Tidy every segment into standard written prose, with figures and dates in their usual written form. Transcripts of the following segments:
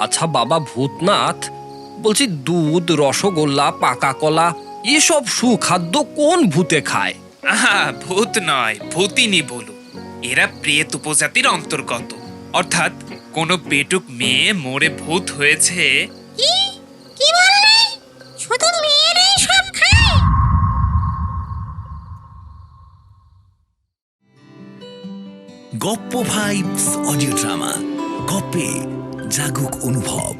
আচ্ছা বাবা ভূতনাথ, বলছি দুধ, রসগোল্লা, পাকা কলা এসব সুখাদ্য কোন ভূতে খায়? আহা, ভূত নয়, ভূতিনি বলু। এরা প্রেত উপজাতির অন্তর্গত, অর্থাৎ কোনো পেটুক মেয়ে মরে ভূত হয়েছে। কি কি বললে? শুধু মেয়েরাই সব খায়? গপ্প ভাইবস অডিও ড্রামা, গপ্পে জাগুক অনুভব।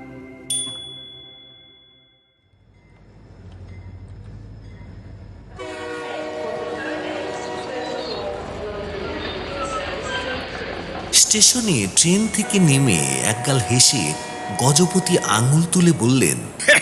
স্টেশনে ট্রেন থেকে নেমে একগাল হেসে গজপতি আঙুল তুলে বললেন,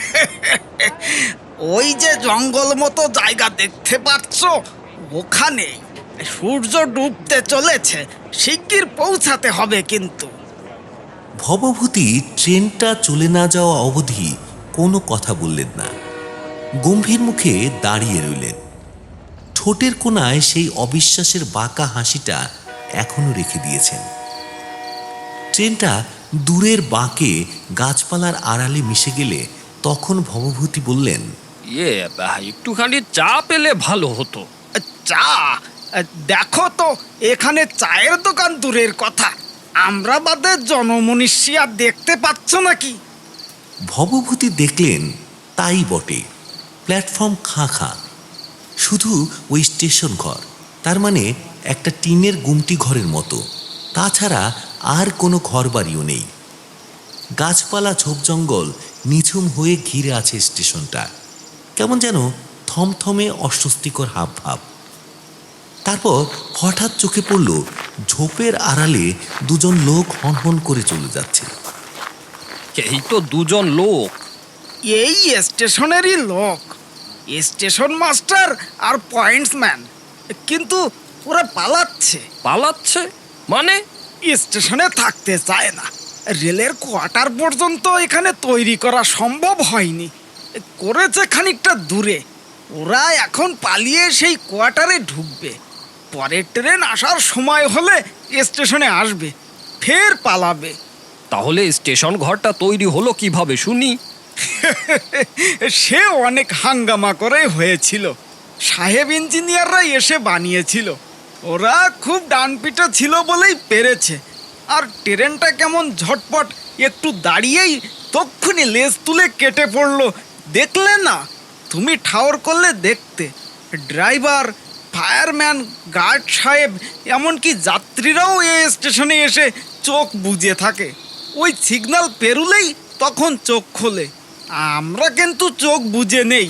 ওই যে জঙ্গল মতো জায়গা দেখতে পাচ্ছ, ওখানে সূর্য ডুবতে চলেছে, শিগগির পৌঁছাতে হবে কিন্তু। ভবভূতি ট্রেনটা চলে না যাওয়া অবধি কোনো কথা বললেন না, গম্ভীর মুখে দাঁড়িয়ে রইলেন। ঠোঁটের কোণায় সেই অবিশ্বাসের বাঁকা হাসিটা এখনো রেখে দিয়েছেন। ট্রেনটা দূরের বাঁকে গাছপালার আড়ালে মিশে গেলে তখন ভবভূতি বললেন, একটুখানি চা পেলে ভালো হতো। চা? দেখো তো, এখানে চায়ের দোকান দূরের কথা, আমরা বাদে জনমনীষী আর দেখতে পাচ্ছ নাকি? ভবভূতি দেখলেন তাই বটে, প্ল্যাটফর্ম খাঁ খাঁ, শুধু ওই স্টেশন ঘর, তার মানে একটা টিনের গুমটি ঘরের মতো, তাছাড়া আর কোনো ঘর বাড়িও নেই। গাছপালা ঝোপ জঙ্গল নিঝুম হয়ে ঘিরে আছে স্টেশনটা, কেমন যেন থমথমে অস্বস্তিকর হাব ভাব। তারপর হঠাৎ চোখে পড়ল ঝোপের আড়ালে দুজন লোক হনহন করে চলে যাচ্ছে। এই তো দুজন লোক। এই স্টেশনেরই লোক, স্টেশন মাস্টার আর পয়েন্টসম্যান, কিন্তু ওরা পালাচ্ছে। পালাচ্ছে মানে? স্টেশনে থাকতে চায় না, রেলের কোয়ার্টার পর্যন্ত এখানে তৈরি করা সম্ভব হয়নি, করেছে খানিকটা দূরে। ওরা এখন পালিয়ে সেই কোয়ার্টারে ঢুকবে, পরের ট্রেন আসার সময় হলে স্টেশনে আসবে, ফের পালাবে। তাহলে স্টেশন ঘরটা তৈরি হলো কিভাবে শুনি? সে অনেক হাঙ্গামা করে হয়েছিল, সাহেব ইঞ্জিনিয়াররা এসে বানিয়েছিল। ওরা খুব ডানপিটা ছিল বলেই পেরেছে। আর ট্রেনটা কেমন ঝটপট, একটু দাঁড়িয়েই তক্ষুনি লেজ তুলে কেটে পড়লো, দেখলে না? তুমি ঠাওর করলে দেখতে। ড্রাইভার, ফায়ারম্যান, গার্ড সাহেব, এমনকি যাত্রীরাও এই স্টেশনে এসে চোখ বুজে থাকে। ওই সিগন্যাল পেরুলেই তখন চোখ খোলে। আমরা কিন্তু চোখ বুজে নেই।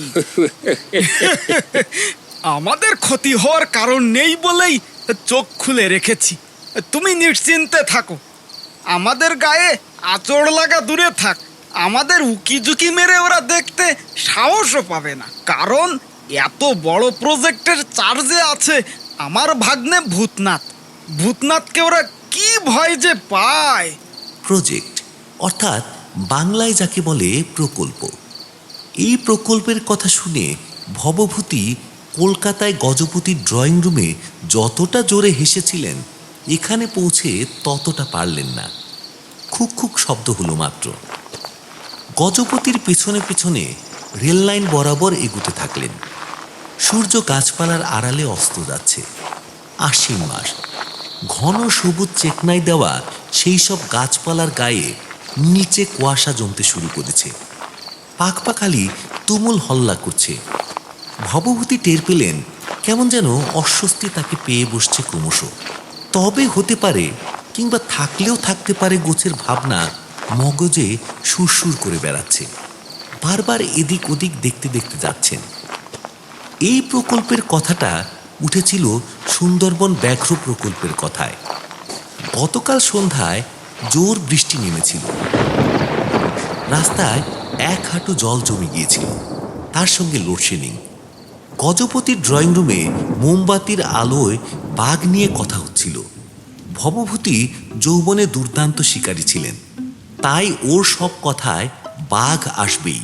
আমাদের ক্ষতি হওয়ার কারণ নেই বলেই চোখ খুলে রেখেছি। তুমি নিশ্চিন্তে থাকো, আমাদের গায়ে আঁচড় লাগা দূরে থাক, আমাদের উকি ঝুঁকি মেরে ওরা দেখতে সাহসও পাবে না, কারণ এত বড় প্রজেক্টের চার্জে আছে আমার ভাগ্নে ভূতনাথ। ভূতনাথকে ওরা কি ভয় যে পায়। প্রজেক্ট অর্থাৎ বাংলায় যাকে বলে প্রকল্প। এই প্রকল্পের কথা শুনে ভবভূতি কলকাতায় গজপতির ড্রয়িং রুমে যতটা জোরে হেসেছিলেন, এখানে পৌঁছে ততটা পারলেন না। খুক খুক শব্দ হলো মাত্র। গজপতির পেছনে পেছনে রেল লাইন বরাবর এগুতে থাকলেন। সূর্য গাছপালার আড়ালে অস্ত যাচ্ছে। আশ্বিন মাস, ঘন সবুজ চেকনাই দেওয়া সেই সব গাছপালার গায়ে নিচে কুয়াশা জমতে শুরু করেছে। পাখপাখালি তুমুল হল্লা করছে। ভবভূতি টের পেলেন কেমন যেন অস্বস্তি তাকে পেয়ে বসছে ক্রমশ। তবে হতে পারে, কিংবা থাকলেও থাকতে পারে গোছের ভাবনা মগজে সুরসুর করে বেড়াচ্ছে। বারবার এদিক ওদিক দেখতে দেখতে যাচ্ছেন। এই প্রকল্পের কথাটা উঠেছিল সুন্দরবন ব্যাঘ্র প্রকল্পের কথায়। গতকাল সন্ধ্যায় জোর বৃষ্টি নেমেছিল, রাস্তায় এক হাঁটু জল জমে গিয়েছিল, তার সঙ্গে লোডশেডিং। গজপতির ড্রয়িং রুমে মোমবাতির আলোয় বাঘ নিয়ে কথা হচ্ছিল। ভবভূতি যৌবনে দুর্দান্ত শিকারী ছিলেন, তাই ওর সব কথায় বাঘ আসবেই।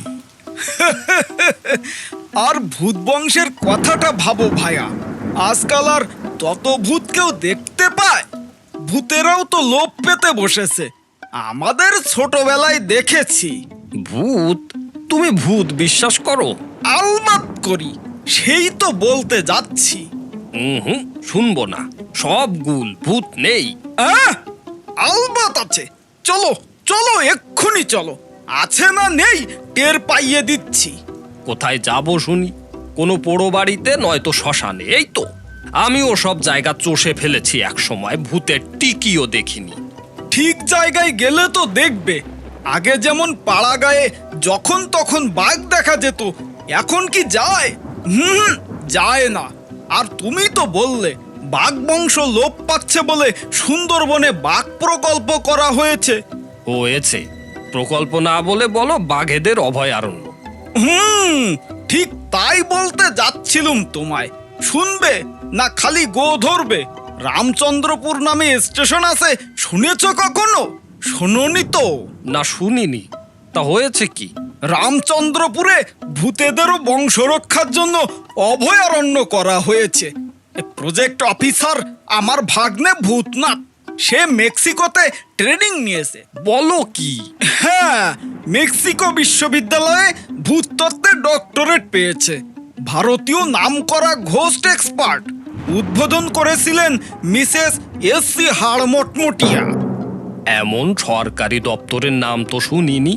আর ভূত বংশের কথাটা ভাবো ভাইয়া, আজকাল আর তত ভূত কেউ দেখতে পায়? ভূতেরাও তো লোভ পেতে বসেছে। আমাদের ছোটবেলায় দেখেছি। ভূত? তুমি ভূত বিশ্বাস করো? আলবাত করি, সেই তো বলতে যাচ্ছি। হুম, শুনবো না। সব গুল, ভূত নেই। আলবাত আছে। চলো চলো, এক্ষুনি চলো। আছে না নেই টের পাইয়ে দিচ্ছি। কোথায় যাব শুনি? কোনো পোড়ো বাড়িতে, নয়তো শ্মশানে। এই তো আমিও সব জায়গা চষে ফেলেছি, এক সময় ভূতের টিকিও দেখিনি। ঠিক জায়গায় গেলে তো দেখবে। আগে যেমন পাড়া গায়ে যখন তখন বাঘ দেখা যেত, এখন কি যায়? যায় না। আর তুমি তো বললে বাঘ বংশ লোপ পাচ্ছে বলে সুন্দরবনে বাঘ প্রকল্প করা হয়েছে। হয়েছে? প্রকল্প না বলে বলো বাঘেদের অভয়ারণ্য। ঠিক তাই বলতে যাচ্ছিলুম তোমায়। শুনবে না খালি গো ধরবে? রামচন্দ্রপুর নামে স্টেশন আছে, শুনেছ কখনো? শোনোনি তো? না, শুনিনি। তা হয়েছে কি? রামচন্দ্রপুরে ভূতেদেরও বংশ রক্ষার জন্য অভয়ারণ্য করা হয়েছে। প্রজেক্ট অফিসার আমার ভাগ্নে ভূতনাথ, সে মেক্সিকোতে ট্রেনিং নিয়েছে। বলো কি? হ্যাঁ, মেক্সিকো বিশ্ববিদ্যালয়ে ভূতত্ত্বে ডক্টরেট পেয়েছে। ভারতীয় নামকরা ঘোস্ট এক্সপার্ট। উদ্বোধন করেছিলেন মিসেস এস.সি. হাড়মটমটিয়া। এমন সরকারি দপ্তরের নাম তো শুনিনি।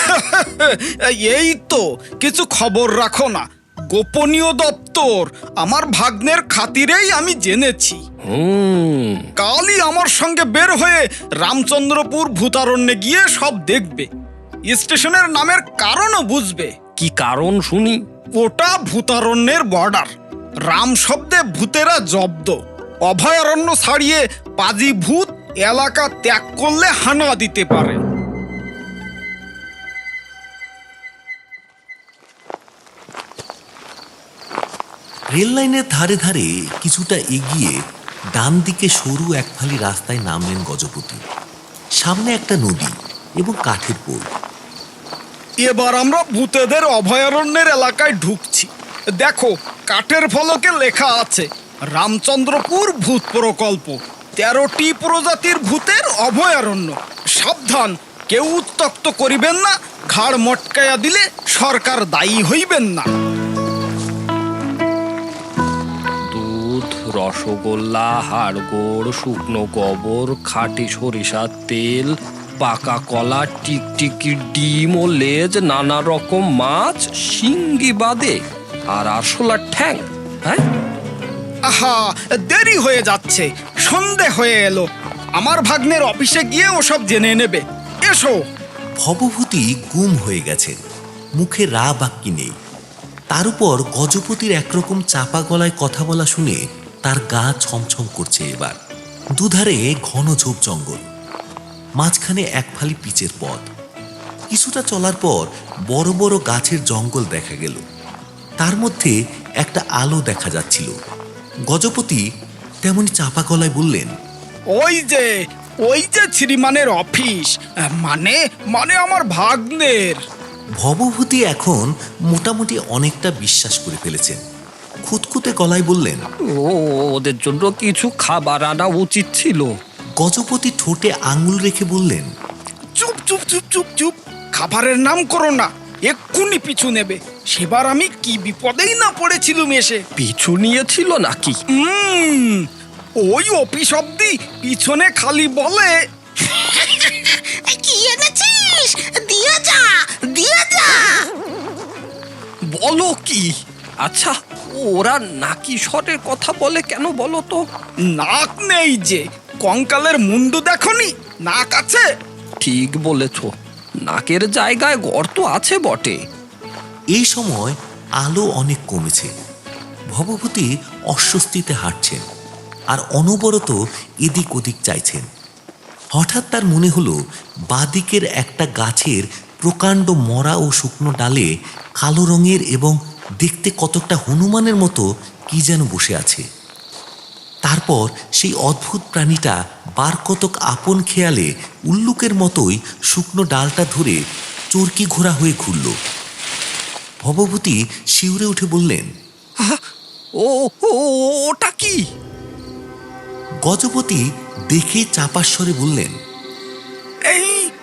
এই তো, কিছু খবর রাখো না, গোপনীয় দপ্তর। আমার ভাগ্নের খাতিরেই আমি জেনেছি। কালই আমার সঙ্গে বের হয়ে রামচন্দ্রপুর ভূতারণ্যে গিয়ে সব দেখবে। স্টেশনের নামের কারণও বুঝবে। কি কারণ শুনি? ওটা ভূতারণ্যের বর্ডার। রাম শব্দে ভূতেরা জব্দ। অভয়ারণ্য ছাড়িয়ে পাজি ভূত এলাকা ত্যাগ করলে হানা দিতে পারে। রেল লাইনের ধারে ধারে কিছুটা এগিয়ে ডান দিকে সরু এক ফালি রাস্তায় নামলেন গজপতি। সামনে একটা নদী এবং কাঠের পোল। এবার আমরা ভূতেদের অভয়ারণ্যের এলাকায় ঢুকছি। দেখো, কাঠের ফলকে লেখা আছে রামচন্দ্রপুর ভূত প্রকল্প, 13টি প্রজাতির ভূতের অভয়ারণ্য। সাবধান, কেউ উত্ত্যক্ত করিবেন না। ঘাড় মটকাইয়া দিলে সরকার দায়ী হইবেন না। দুধ, রসগোল্লা, হাড়গোড়, শুকনো গোবর, খাঁটি সরিষার তেল, পাকা কলা, টিকটিকি ডিম ও লেজ, নানা রকম মাছ, শিঙ্গি বাদে আর আরশোলার ঠ্যাং। হ্যাঁ, আহা, দেরি হয়ে যাচ্ছে, সন্ধে হয়ে এলো। আমার ভাগ্নের অফিসে গিয়ে ওসব জেনে নেবে। এসো। ভবভূতি গুম হয়ে গেছেন, মুখে রা বাক্যি নেই। তার উপর গজপতির একরকম চাপা গলায় কথা বলা শুনে তার গা ছমছম করছে। এবার দুধারে ঘন ঝোপ জঙ্গল, মাঝখানে এক ফালি পিচের পথ। কিছুটা চলার পর বড় বড় গাছের জঙ্গল দেখা গেল। তার মধ্যে একটা আলো দেখা যাচ্ছিল। গজপতি তেমনি চাপা গলায় বললেন, ওই যে শ্রীমানের অফিস, মানে মানে আমার ভাগ্নের। ভবভূতি এখন মোটামুটি অনেকটা বিশ্বাস করে ফেলেছেন। খুঁতখুঁতে গলায় বললেন, ওদের জন্য কিছু খাবার আনা উচিত ছিল। গজপতি ঠোঁটে আঙুল রেখে বললেন, চুপ চুপ চুপ চুপ চুপ, খাবারের নাম করো না, এক্ষুনি পিছু নেবে। সেবার আমি কি বিপদেই না পড়েছিলুম এসে। পিছু নিয়েছিল নাকি? ওই অফিস অব্দি পিছনে খালি বলে, কি এনেছিস? দিয়ে যা, দিয়ে যা। বলো কি? আচ্ছা, ওরা নাকি স্বরের কথা বলে কেন বলো তো? নাক নেই যে, কঙ্কালের মুন্ডু দেখনি? নাক আছে। ঠিক বলেছ, নাকের জায়গায় গর্ত আছে বটে। এই সময় আলো অনেক কমেছে। ভবভূতি অস্বস্তিতে হাঁটছেন আর অনবরত এদিক ওদিক চাইছেন। হঠাৎ তার মনে হলো বাদিকের একটা গাছের প্রকাণ্ড মরা ও শুকনো ডালে কালো রঙের এবং দেখতে কতকটা হনুমানের মতো কি যেন বসে আছে। তারপর সেই অদ্ভুত প্রাণীটা বার কতক আপন খেয়ালে উল্লুকের মতোই শুকনো ডালটা ধরে চরকি ঘোরা হয়ে ঘুরল। ভবভূতি শিউরে উঠে বললেন, ওটা কি? গজপতি দেখে চাপাস্বরে বললেন, এই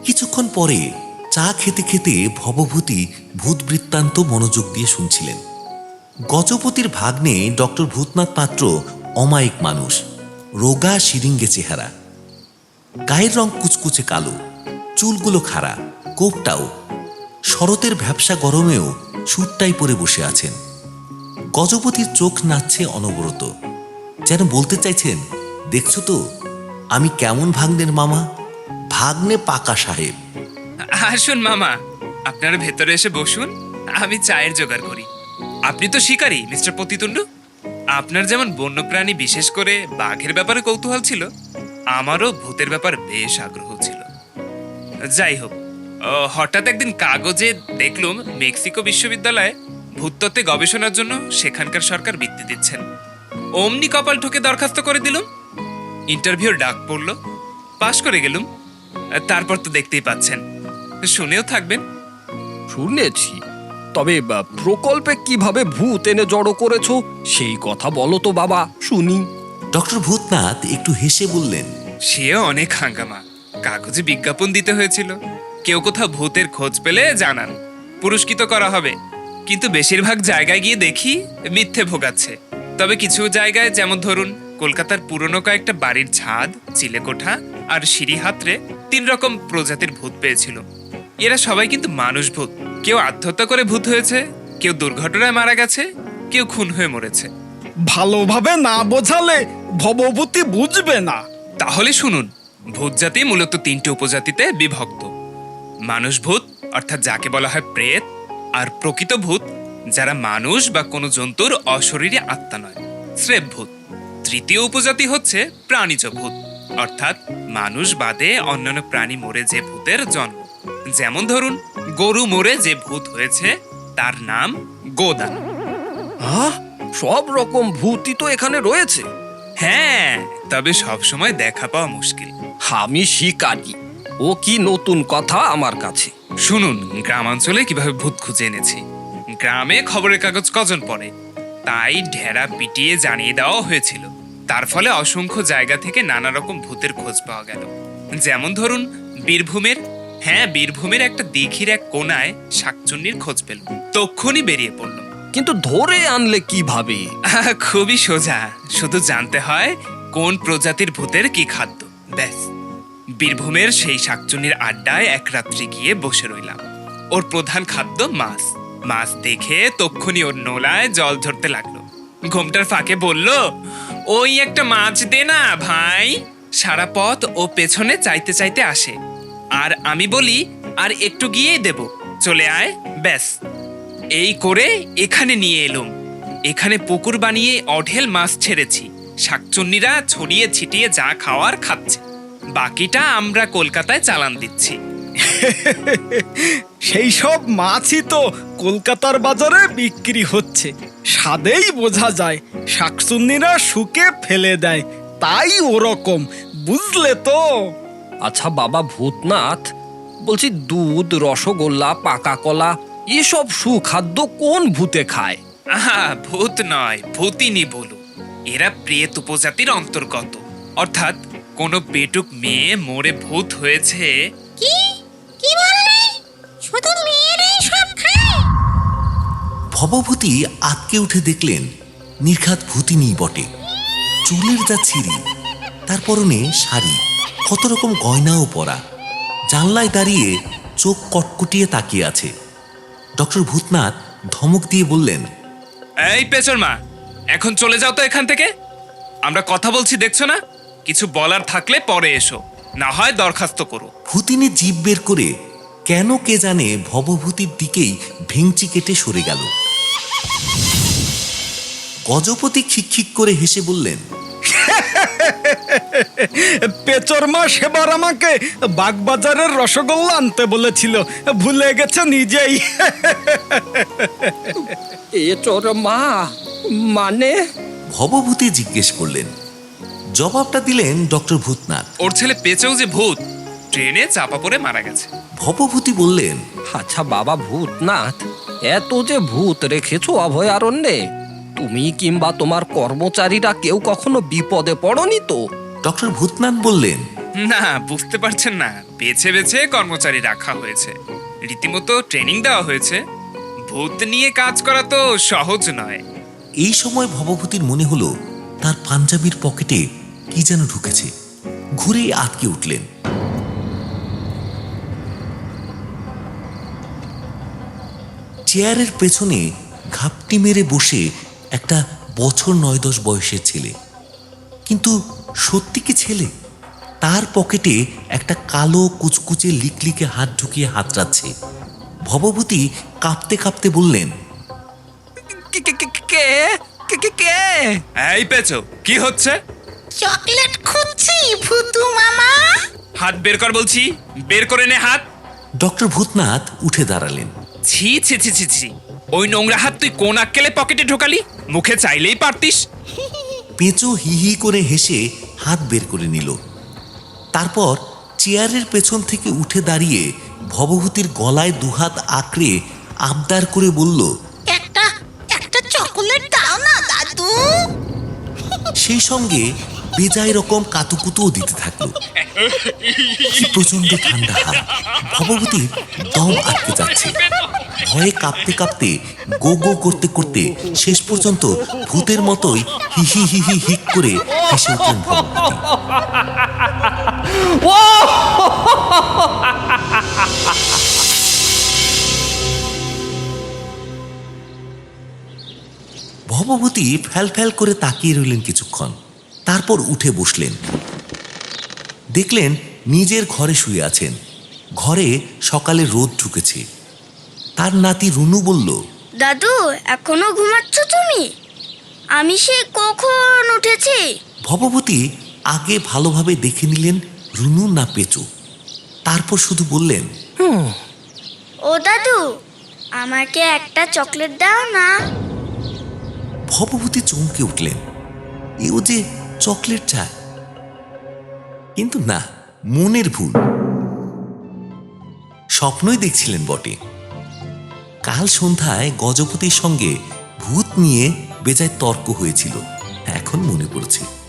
কিছুক্ষণ পরে চা খেতে খেতে ভবভূতি ভূত বৃত্তান্ত মনোযোগ দিয়ে শুনছিলেন। গজপতির ভাগ্নে ডক্টর ভূতনাথ পাত্র অমায়িক মানুষ, রোগা শিরিঙ্গে চেহারা, গায়ের রং কুচকুচে কালো, চুলগুলো খাড়া, কোপটাও। শরতের ভ্যাপসা গরমেও সুটটাই পরে বসে আছেন। গজপতির চোখ নাচছে অনবরত, যেন বলতে চাইছেন, দেখছো তো আমি কেমন ভাগ্নের মামা, ভাগ্নে পাকা সাহেব। আসুন মামা, আপনারা ভেতরে এসে বসুন, আমি চায়ের জোগাড় করি। আপনি তো শিকারী মিস্টার পতিতুন্ডু। আপনার যেমন বন্যপ্রাণী বিশেষ করে বাঘের ব্যাপারে কৌতূহল ছিল, আমারও ভূতের ব্যাপার বেশ আগ্রহ ছিল। যাই হোক, হঠাৎ একদিন কাগজে দেখলুম মেক্সিকো বিশ্ববিদ্যালয়ে ভূতত্ত্বে গবেষণার জন্য সেখানকার সরকার বৃত্তি দিচ্ছেন। অমনি কপাল ঠুকে দরখাস্ত করে দিলুম। ইন্টারভিউর ডাক পড়ল, পাশ করে গেলুম। তারপর তো দেখতেই পাচ্ছেন, শুনেও থাকবেন। শুনেছি, তবে প্রকল্পে কিভাবে ভূত এনে জড়ো করেছো সেই কথা বলো তো বাবা, শুনি। ডক্টর ভূতনাথ একটু হেসে বললেন, সেও অনেক হাঙ্গামা। কাগজে বিজ্ঞাপন দিতে হয়েছিল, কেউ কোথাও ভূতের খোঁজ পেলে জানান, পুরস্কৃত করা হবে। কিন্তু বেশিরভাগ জায়গায় গিয়ে দেখি মিথ্যে ভোগাচ্ছে। তবে কিছু জায়গায়, যেমন ধরুন কলকাতার পুরনো কয়েকটা বাড়ির ছাদ, চিলেকোঠা আর সিঁড়ি হাতড়ে 3 রকম প্রজাতির ভূত পেয়েছিল। এরা সবাই কিন্তু মানুষ ভূত। কেউ আত্মহত্যা করে ভূত হয়েছে, কেউ দুর্ঘটনায় মারা গেছে, কেউ খুন হয়ে মরেছে। ভালোভাবে না বোঝালে ভবভূতি বুঝবে না। তাহলে শুনুন, ভূত জাতি মূলত 3টে উপজাতিতে বিভক্ত। মানুষ ভূত, অর্থাৎ যাকে বলা হয় প্রেত, আর প্রকৃত ভূত, যারা মানুষ বা কোনো জন্তুর অশরীরী আত্মা নয়, স্রেফ ভূত। তৃতীয় উপজাতি হচ্ছে প্রাণীজ ভূত, অর্থাৎ মানুষ বাদে অন্যান্য প্রাণী মরে যে ভূতের জন্ম। যেমন ধরুন গরু মরে যে ভূত হয়েছে তার নাম গোদান। সব রকম ভূতই তো এখানে রয়েছে। হ্যাঁ, তবে সবসময় দেখা পাওয়া মুশকিল। আমি শিকারি, ও কি নতুন কথা আমার কাছে। শুনুন, গ্রামাঞ্চলে কিভাবে ভূত খুঁজে এনেছি। গ্রামে খবরের কাগজ কজন পড়ে, তাই ঢেরা পিটিয়ে জানিয়ে দেওয়া হয়েছিল। তার ফলে অসংখ্য জায়গা থেকে নানা রকম ভূতের খোঁজ পাওয়া গেল। যেমন ধরুন বীরভূমের একটা দিঘির এক কোনায় শাকচুন্নির খোঁজ পেল। তক্ষুনি বেরিয়ে পড়ল। কিন্তু ধরে আনলে কিভাবে? খুবই সোজা, শুধু জানতে হয় কোন প্রজাতির ভূতের কি খাদ্য, ব্যাস। বীরভূমের সেই শাকচুন্নির আড্ডায় এক রাত্রি গিয়ে বসে রইলাম। ওর প্রধান খাদ্য মাছ। মাছ দেখে তক্ষুনি ওর নোলায় জল ঝরতে লাগলো। ঘোমটার ফাঁকে বলল, ওই একটা মাছ দে না ভাই। সারা পথ ও পেছনে চাইতে চাইতে আসে, আর আমি বলি আর একটু গিয়েই দেব, চলে আয়, ব্যাস। এই করে এখানে নিয়ে এলুম। এখানে পুকুর বানিয়ে অঢেল মাছ ছেড়েছি। শাকচুন্নিরা ছড়িয়ে ছিটিয়ে যা খাওয়ার খাচ্ছে, বাকিটা আমরা কলকাতায় চালান দিচ্ছি। সেই সব মাছই তো কলকাতার বাজারে বিক্রি হচ্ছে। স্বাদেই বোঝা যায় শাকচুন্নিরা শুকে ফেলে দেয়, তাই ওরকম, বুঝলে তো? আচ্ছা বাবা ভূতনাথ, বলছি দুধ, রসগোল্লা, পাকা কলা এসব সুখাদ্য কোন ভূতে খায়? ভূত নয়, ভূতিনি বলু। এরা প্রেত উপজাতির অন্তর্গত, অর্থাৎ কোনো পেটুক মেয়ে মরে ভূত হয়েছে। কি কি বললে? শুধু মেয়েরাই সব খায়? ভবভূতি আতকে উঠে দেখলেন নির্ঘাত ভূতিনি বটে। চুলের যা ছিঁড়ি, তার পরনে শাড়ি, কত রকম গয়নাও পরা, জানলায় দাঁড়িয়ে চোখ কটকটিয়ে তাকিয়ে আছে। ডক্টর ভূতনাথ ধমক দিয়ে বললেন, এই পেছর মা, এখন চলে যাও তো এখান থেকে। আমরা কথা বলছি, দেখছো না? কিছু বলার থাকলে পরে এসো, না হয় দরখাস্ত করো। ভূতিনি জিভ বের করে কেন কে জানে ভবভূতির দিকেই ভেঙচি কেটে সরে গেল। গজপতি খিকখিক করে হেসে বললেন, পেচরমা সেবার আমাকে বাগবাজারের রসগোল্লা আনতে বলেছিল, ভুলে গেছে নিজেই। এ চোর মা মানে? ভবভূতি জিজ্ঞেস করলেন। জবাবটা দিলেন ডক্টর ভূতনাথ। ওর ছেলে পেঁচেও যে ভূত, ট্রেনে চাপা পড়ে মারা গেছে। ভবভূতি বললেন, আচ্ছা বাবা ভূতনাথ, এত যে ভূত রেখেছো অভয়ারণ্যে, তুমি কিংবা তোমার কর্মচারীরা কেউ কখনো বিপদে পড়নি তো? ডক্টর ভূতনাথ বললেন, না, বুঝতে পারছেন না, বেছে বেছে কর্মচারী রাখা হয়েছে, রীতিমতো ট্রেনিং দেওয়া হয়েছে। ভূত নিয়ে কাজ করা তো সহজ নয়। এই সময় ভবভূতির মনে হলো তার পাঞ্জাবির পকেটে কি যেন ঢুকেছে। ঘুরে আটকে উঠলেন। চেয়ারের পেছনে ঘাপটি মেরে বসে একটা বছর 9-10 বয়সের ছেলে। কিন্তু সত্যি কি ছেলে? তার পকেটে একটা কালো কুচকুচে লিকলিকে হাত ঢুকিয়ে হাতড়াচ্ছে। ভবভূতি কাঁপতে কাঁপতে বললেন, এই পেছো, কি হচ্ছে? চকলেট খুঁজছি ভুতু মামা। হাত বের কর বলছি, বের করে নে হাত। ডক্টর ভূতনাথ উঠে দাঁড়ালেন। ছি ছি ছি ছি ছি, ওই নোংরা হাত তুই কোন আক্কেলে পকেটে ঢোকালি? মুখে চাইলেই পারতিস। পেঁচো হি হি করে হেসে হাত বের করে নিল। তারপর চেয়ারের পেছন থেকে উঠে দাঁড়িয়ে ভবভূতির গলায় দুহাত আঁকড়ে আবদার করে বলল, একটা একটা চকলেট দাও না দাদু। সেই সঙ্গে বেজায় রকম কাতুকুতুও দিতে থাকলো। কি প্রচন্ড ঠান্ডা হাত! ভবভূতির দম আটকে যাচ্ছে। ভয়ে কাঁপতে কাঁপতে গো গো করতে করতে শেষ পর্যন্ত ভূতের মতোই হি হি হি হি হিক করে হেসে উঠলেন ভবভূতি। ভবভূতি ফ্যাল ফ্যাল করে তাকিয়ে রইলেন কিছুক্ষণ। তারপর উঠে বসলেন। দেখলেন নিজের ঘরে শুয়ে আছেন। ঘরে সকালে রোদ ঢুকেছে। তার নাতি রুনু বলল, দাদু এখনো ঘুমাচ্ছ তুমি? আমি সে কখন উঠেছি। ভবভূতি আগে ভালোভাবে দেখে নিলেন রুনু না পেঁচো। তারপর শুধু বললেন, ও দাদু, আমাকে একটা চকলেট দাও না। ভবভূতি চমকে উঠলেন। এও যে চকলেট চায়। কিন্তু না, মনের ভুল। স্বপ্নই দেখছিলেন বটে। কাল সন্ধ্যায় গজপতির সঙ্গে ভূত নিয়ে বেজায় তর্ক হয়েছিল, এখন মনে পড়ছে।